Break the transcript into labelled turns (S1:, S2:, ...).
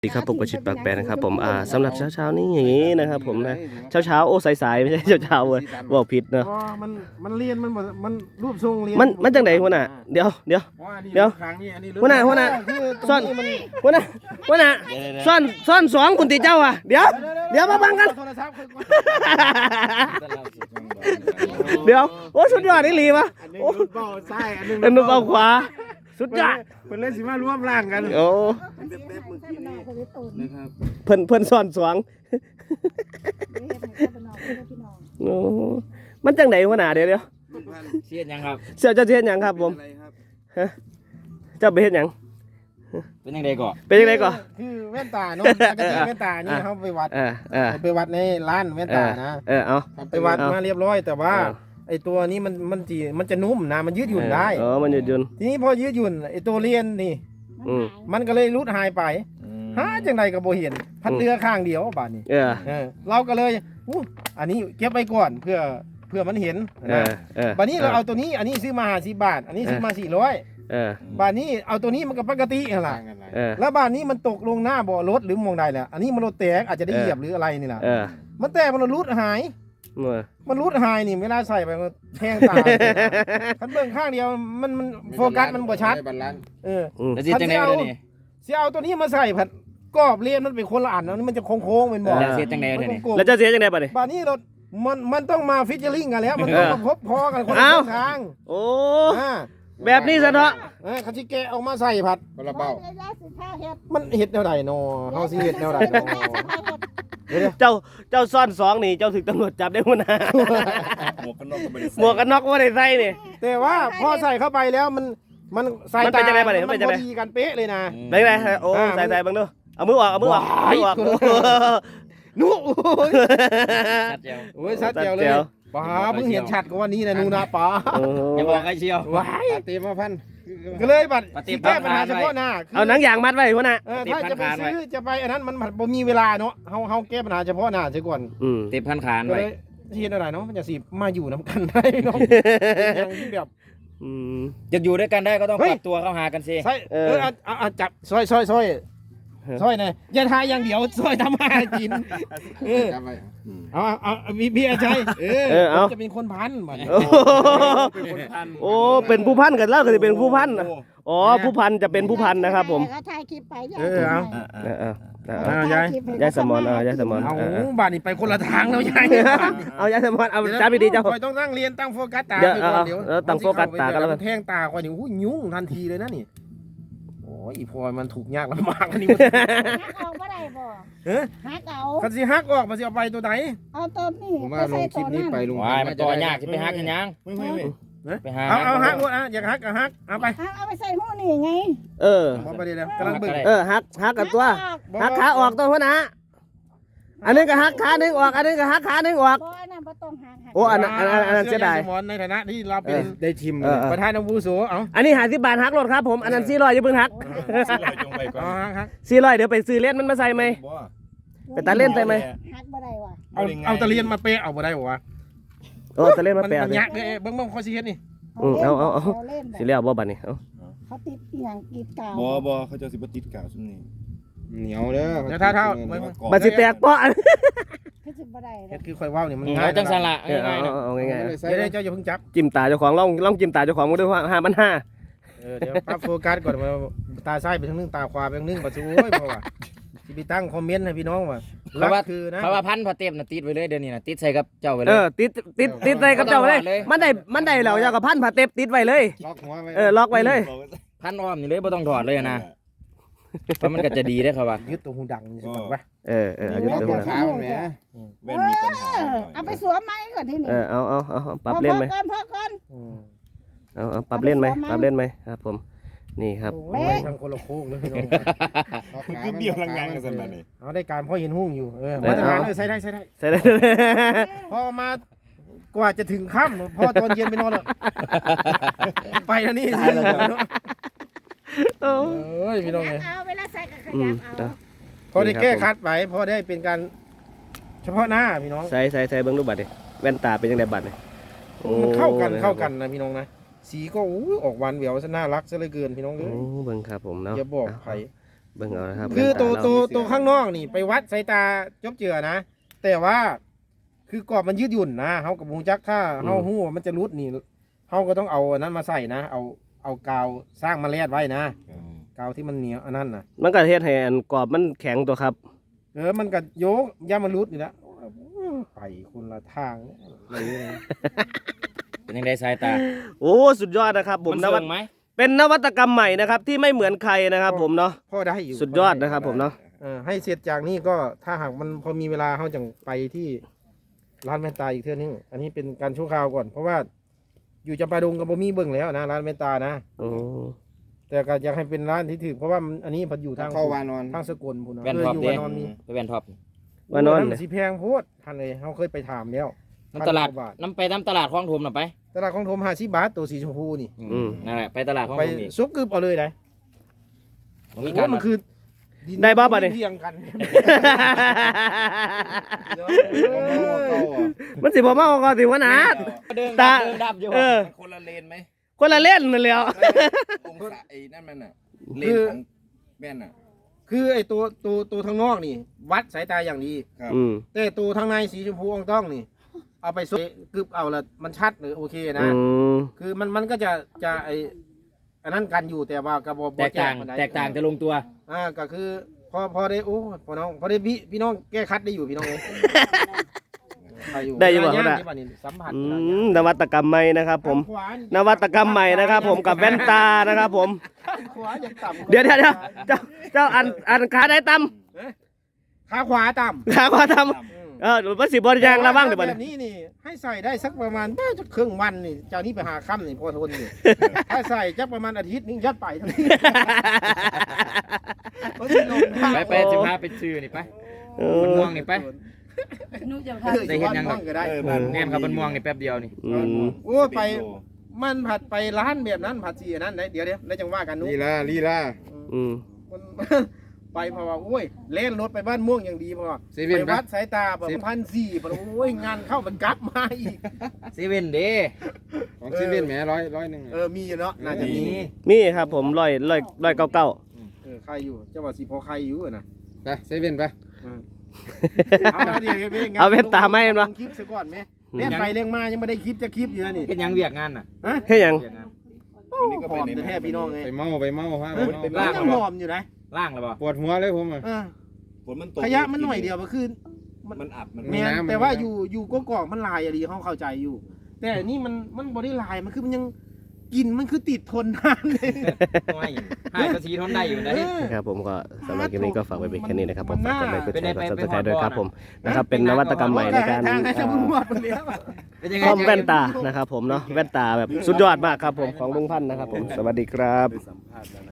S1: สวัสดีครับผมกชิตปากแปรนะครับผมสำหรับเช้านี้อย่างนี้นะครับผมนะเช้าโอ้สายๆไม่ใช่เช้าเว้ยบอกผิดเนาะ
S2: มันเรียนมันรูปทรงเรียน
S1: มันจังไดหัวหน้าเดี๋ยวหัวหน้าซ่อนหัวหน้าซ่อนสองคุณติเจ้าอ่ะเดี๋ยวมาบังกันเดี๋ยวโอ้สุดยอดนี่ลีวะโอ้
S2: เบ้าซ้ายอันนึง
S1: อันนู้นเบาขวาสุดยอด
S2: เป็นเล่นสิมาร่วมร่างกัน
S1: โอ้เพิ่นซ่อนสองโอ้มันจังไดหัวหน้าเดี๋ยว
S3: เสียดยังครับ
S1: เจ้าเฮ็ดหยังครับผมฮะเจ้าไปเฮ็ดหยัง
S3: เป็นยังไงก่อน
S1: เป็นยังไงก่อน
S2: คือแว่นตาเนาะปกติแว่นตานี่เขาไปวัดไปวัดในร้านแว่นตานะ
S1: เอา
S2: ไปวัดมาเรียบร้อยแต่ว่าไอตัวนี้มันจะนุ่มนะมันยืดหยุ่นได้
S1: มันยืดหยุ่น
S2: ทีนี้พอยืดหยุ่นไอตัวเรียนนี่มันก็เลยรุดหายไปหาจังใดก็บ่เห็นพัดเรือข้างเดียวบาดนี้เราก็เลยอันนี้เก็บไว้ก่อนเพื่อมันเห็นนะบาดนี้เราเอาตัวนี้อันนี้ซื้อมา50 บาทอันนี้ซื้อมา400บาทนี้เอาตัวนี้มันก็ปกติเหรอแล้วบาทนี้มันตกลงหน้าบ่อรถหรือมองใดแหละอันนี้มันรถแตกอาจจะได้เหยียบหรืออะไรนี่แหละมันแตกมันรุดหายมันรุดหายนี่เวลาใส่ไปมันแทงตาคันเบิ่งข้างเดียวมันโฟกัสมันบ่ชัด
S3: แล้วสิจังได๋บ่นี่
S2: สิเอาตัวนี้มาใส่ผัดกรอบเรียนมันเป็นคนละอันนี่มันจะโค้งๆเป็นบ่
S3: แล้วสิจังได๋บ่นี่
S1: แล้วจะเสียจังได๋บัดนี้
S2: บัดนี้รถมันต้องมาฟิชเชอร์ลิงกันแล้วมันต้องมาพบพอกันคนละทาง
S1: โอ้แบบนี้ซะเนาะ
S2: เขาสิแกะออกมาใส่ผัดคนละเบ้ามันเฮ็ดแนวใดเนาะเฮาสิเฮ็ดแนวใดเนาะ
S1: เจ้าซ่อนสองนี่เจ้าถึงตำรวจจับได้หัวหน้าหมวกกันน็อกก็ไม่ได้ใส่นี่
S2: แต่ว่าพอใส่เข้าไปแล้วมันใส่ตามันพอดีกันเป๊ะเลยนะ
S1: ได้ไงโอ้ใส่บังดูเอามือออก
S2: นู้โอ้ยชัดเจียวเลยป๋าเพิ่งเห็นชัดกว่านี้นะนูนะป๋า
S3: อย่าบอกใครเชียว
S2: ว้ายเต็มมาพันก็เลยบัดแก้ปัญหาเฉพาะหน้า
S1: เอาหนังยางมัดไว้หัวหน้า
S2: ถ้าจะไปซื้อจะไปอันนั้นมันบ่มีเวลาเนาะเฮาแก้ปัญหาเฉพาะหน้าซะก่อน
S3: เต็มพันขานไว้
S2: เทียนอะไรเนาะมันจะสิมาอยู่น้ำกันได้เนาะอย่างที่แบบ
S3: จะอยู่ด้วยกันได้ก็ต้องปรับตัวเข้าหากันสิ
S2: ใช่จับซอยนะอย่าทายอย่างเดียวซอยทำมากินเอาพี่อาชัยจะเป็นคนพันมัน
S1: โอ้เป็นผู้พันกันแล้วก็จะเป็นผู้พันอ๋อผู้พันจะเป็นผู้พันนะครับผม
S4: ถ่ายคลิปไป
S1: ยายสมอนยายสมอน
S2: เอาบ้านนี้ไปคนละทางแล้วยาย
S1: เอายายสมอนเอาจ้าไปดีเจ้า
S2: ต้องตั้งเรียนตั้งโฟกัสตา
S1: เดี๋ยวตั้งโฟกัสตากันแล้ว
S2: แทงตาคอยนี่ยุ่งทันทีเลยนะนี่โอ้ยอีพลอยมันถูกยากลำบากอันนี้
S4: ฮักเอาบ่ได้บ่ฮักเอา
S2: คันสิฮักออกมาสิเอาไปตัวไหน
S4: เอาตัวนี้
S2: ผมว่าลงคลิปนี้ไปลุง
S3: มันตัวยากที่ไปฮักกันยัง
S2: ไปหาเอาฮักหมดอยากฮักก็ฮักเอาไป
S4: เอาไปใส่หูนี่ไง
S2: พอไปได้แล้วกำลังบึ้ง
S1: ฮักกับตัวฮักขาออกตัวหัวหน้าอันนี้ก็ฮักขาหนึ่งออกอันนี้ก็ฮักขาหนึ่งออกโอ้อันนั้นเสียดาย
S2: ในฐานะที่เราเป็นได้ทีมประธานอาวุโสเอา
S1: อันนี้50 บาทฮักรถครับผมอันนั้น400อย่าเพิ่งฮัก400เดี๋ยวไปซื้อเล่นมันมาใส่ไหมไปตัดเล่นใส่ไหม
S4: ฮักบ่ได้ว่ะ
S2: เอาตะเลียนมาเปะเอาบ่ได้บ่วะ
S1: ตะเล่นมาเปะ
S2: มันยักเลยเบิ้งข้อสิเฮ็ดนี่
S1: เอาสิเลี้ยวบ่บัดนี้
S4: เขาติดอย่างกีดกาว
S5: บ่เขาจะสิบ่ติดกาวซุ่มนี้
S2: เหนียวเด้อแล้วถ้า
S1: บัดสิแตกเปาะ
S2: เฮ็ดคือค่อยว้าวนี่มัน
S3: ง่ายจังซั่นล่ะ
S1: เอาง่าย
S2: ๆเดี๋ยวเจ้าอย่าเพิ่งจับ
S1: จิ้มตาเจ้าของลองจิ้มตาเจ้าของมาด้วยว่า
S2: 5,500เดี๋ยวปรับโฟกัสก่อนว่าตาซ้ายไปทางนึงตาขวาไปทางนึงบ่สู้โอ้ยบ่ว่าสิไปตั้งคอมเมนต์ให้พี่น้องว่า
S3: เพราะว่าพันพอเต็มน่ะติดไว้เลยเดี๋ยวนี้น่ะติดใส่กับเจ้าไว้เลย
S1: ติดใส่กับเจ้าไว้เลยมันได้แล้วเจ้าก็พันผ้าเต็มติดไว้เลย
S2: ล็อกหัวไว้
S1: ล็อกไว้เลย
S3: พันอ้อมนี่เลยบ่ต้องถอดเลยนะเพราะมันก็จะดีได้ครับว่า
S2: ยึดตัวหูดังสิบอกว่า
S1: ยึดตัวหูดัง
S5: แว่นมีปัญหา
S4: เอาไปสวมไหมก่อนที่นี่
S1: เอาปรับเล่นไหมเอาปรับเล่นไหมครับผมนี่ครับ
S2: ทางคนละโค้งเลยพี่น้อง
S5: คือเดียวลังงานกันสั่นน่ะนี่
S2: เอาได้การพ่อเห็นหุ้งอยู่มาตรฐานเลยใส่ได้พอมากว่าจะถึงค่ำพอตอนเย็นไปนอนแล้วไปแล้วนี่เอ้ยพี่น้องเลย
S4: เวลาใส่ก็ขยับเอา
S2: พอได้แก้คัดไปพอได้เป็นการเฉพาะหน้าพี่น้อง
S1: ใส่เบิ้งรูปบัตรดิแว่นตาเป็นยังไงบัตรเนี่ย
S2: มันเข้ากันนะพี่น้องนะสีก็ออกหวานแหววซะน่ารักซะเลยเกินพี่น้องเลย
S1: เบิ้งครับผมเนาะ
S2: อย่าบอกใคร
S1: เบิ่งเอานะครับ
S2: คือ
S1: แว่นตา
S2: ตัวข้างนอกนี่ไปวัดสายตาจบเจือนะ แต่ว่าคือกรอบมันยืดหยุ่นนะเฮากับฮู้จักถ้าเฮาฮู้ว่ามันจะรุดนี่เฮาก็ต้องเอาอันนั้นมาใส่นะเอากาวสร้างมาแลดไว้นะกาวที่มันเหนียวอันนั้นน่ะ
S1: มันก็เฮ็ดให้อันกรอบมันแข็งตัวครับ
S2: มันก็โยกย่ามันรุดนี่ละไปคนละทางเลย
S3: เป็นยังไงสายตา
S1: โอ้สุดยอดนะครับผม
S3: มัน
S1: นวั
S3: เสื่
S1: ต
S3: องไหม
S1: เป็นนวัตกรรมใหม่นะครับที่ไม่เหมือนใครนะครับผมเนาะ
S2: พ่อได้อยู่
S1: สุดยอดนะครับผมเนาะ
S2: ให้เสร็จจากนี้ก็ถ้าหากมันพอมีเวลาเขาจะไปที่ร้านแว่นตาอีกเทื่อนึงอันนี้เป็นการชั่วคราวก่อนเพราะว่าอยู่จำปาดงกับบ่มีเบิ่งแล้วนะร้านแว่นตานะ
S1: โอ้
S2: แต่ก็อยากให้เป็นร้านที่ถือเพราะว่าอันนี้พันอยู่ทาง
S5: เข้าวานอน
S2: ทางสกลพุ่นนะ
S3: แว่น
S2: เออ
S3: ท็อป
S2: อยู่
S3: เด้
S2: วานอนมี
S3: ไปแว่นท็อป
S1: ว่านอน
S2: โมั
S1: เลย
S2: สิแพงโพดท่านเลยเขาเคยไปถามแล้ว
S3: น้ำตลาด
S2: 1,000 กว่บท
S3: น้ำไปน้ำตลาดคลองถมน่ะไป
S2: ตลาดของโทม50 บาทตัวสีชมพูนี่
S3: นั่นแหละไปตลาดคลอง
S2: ไป
S3: ถมนี่
S2: ซุกกึบเอาเลยได้
S3: มันมี
S2: โอ้
S3: การ
S2: มันคือ
S1: ได้บ้าบัด
S2: เล
S1: นี้
S2: เรียงกัน
S1: มันสิบ่มาก็สิว่าหนา
S3: เดิน
S1: ตา
S3: ดับอยู่
S1: เออ
S5: มันคนละเลนไหม
S1: คนละเล่นนั่นแหล้ว
S5: องศาไอ้นั่นมันน่ะเลนของแว่นน่ะ
S2: คือไอ้ตัวทางนอกนี่ วัดสายตาอย่างดี
S5: ครับ
S1: อืม
S2: แต่ตัวทางในสีชมพูอ่องต้องนี่ เอาไปซุกกึบเอาละมันชัดหรือโอเค
S1: อื
S2: นะ
S1: ม
S2: คือมันก็จะไออันนั้นกันอยู่แต่ว่ากระบอก
S3: แตกต่างแตกต่างจะลงตัว
S2: ก็คือพอได้โอ้พอน้องพอได้พี่น้องแก้คัดได้อยู่พี่น้องเลยได้อยู่นี่สัมผัส
S1: นวัตกรรมใหม่นะครับผม
S2: ขวาน
S1: วัตกรรมใหม่นะครับผมกับแว่นตานะครับผม
S2: ขวาอย่างต่ำ
S1: เดี๋ยวเจ้าอันขาได้ต่
S2: ขาขวาต่
S1: ำขาขวาต่ำ หรือว่าสิบริ
S2: ำ
S1: ยางระวังเดี๋ยว
S2: แบ
S1: บัด
S2: บนี้นี่ให้ใส่ได้สักประมาณน่าจะครึ่งวันนี่เจ้านี้ไปหาค่ำนี่พอทนนี่ถ้าใส่จักประมาณอาทิตย์นึงยัดไปทั้งนี้
S3: ไปสิพาไปซื้อนี่ไป
S1: เอ
S3: มัน
S1: อ
S3: ม่วงนี่ไป
S4: หนูจะพา
S3: ได้เห็นยัง
S2: ก็ได้
S3: แน่นครับมันม่วงนี่แป๊บเดียวนี่
S1: อืม
S2: โอ้ไปมันผัดไปร้านแบบนั้นผัดสีอันนั้นเดี๋ยวได้จังว่ากันนุ๊ก
S5: ลีลา
S1: อืม
S2: มัน ไปเพราะว่าโอ้ยเล่นรถไปบ้านม่วงอย่างดีเพราะว่า
S5: เซเว่
S2: ไป
S5: น
S2: วัดสายตาแบบ1,400เพราะโอ้ยงานเข้ามันกลับมาอีก
S3: เซเว่นเด้
S5: ของเซเว่นแหมร้อยหนึ่ง
S2: มีเนาะน่าจะมี
S1: มีครับผม199
S2: ใครอยู่เจ้าว่าสิพอใครอยู่อะนะ
S5: ไปเซเว่นไป
S1: เอาแว่นตาไหมเห็นปะ
S2: คลิปซะก่อนไหมเล่นไปเล่นมายังไม่ได้คลิปจะคลิปอยู่นะนี่
S3: เฮ็ดหยังเวียกงานน่ะ
S1: แค่หยัง
S3: เวียกงาน
S2: หอมแท้พี่น้องไง
S5: ไปเมาฮะ
S2: มันยังหอมอยู่นะ
S3: ล่างแล้วบ่
S5: ปวดหัวเลยผมอ่ะ
S2: ฝนมันตกขยะมันหน่อยเดียวก็คือ
S5: มันอับมัน
S2: แม่นแต่ว่าอยู่กกอกมันลายอะดีเขาเข้าใจอยู่ แต่นี่มันบ่ได้ลายมันคือมันยังกลินมันคือติดทนนานเลย
S3: ไม่ให้ภาษีทนได้อยู่ได้
S1: นะครับผมก็สำหรับคลิปนี้ก็ฝากไว้เป็นแค่นี้นะครับผมฝากกดไลค์กดแชร์กด
S3: ไป
S1: Subscribe ด้วยครับ
S3: ไป
S1: ผมนะครับเป็นนวัตกรรมใหม่ในการ
S2: ทางให้ชาวบ้านหมดไปแล้ว
S3: เป็นยังไง
S1: คอมแว่นตานะครับผมเนาะแว่นตาแบบสุดยอดมากครับผมของลุงพันธ์นะครับผมสวัสดีครับ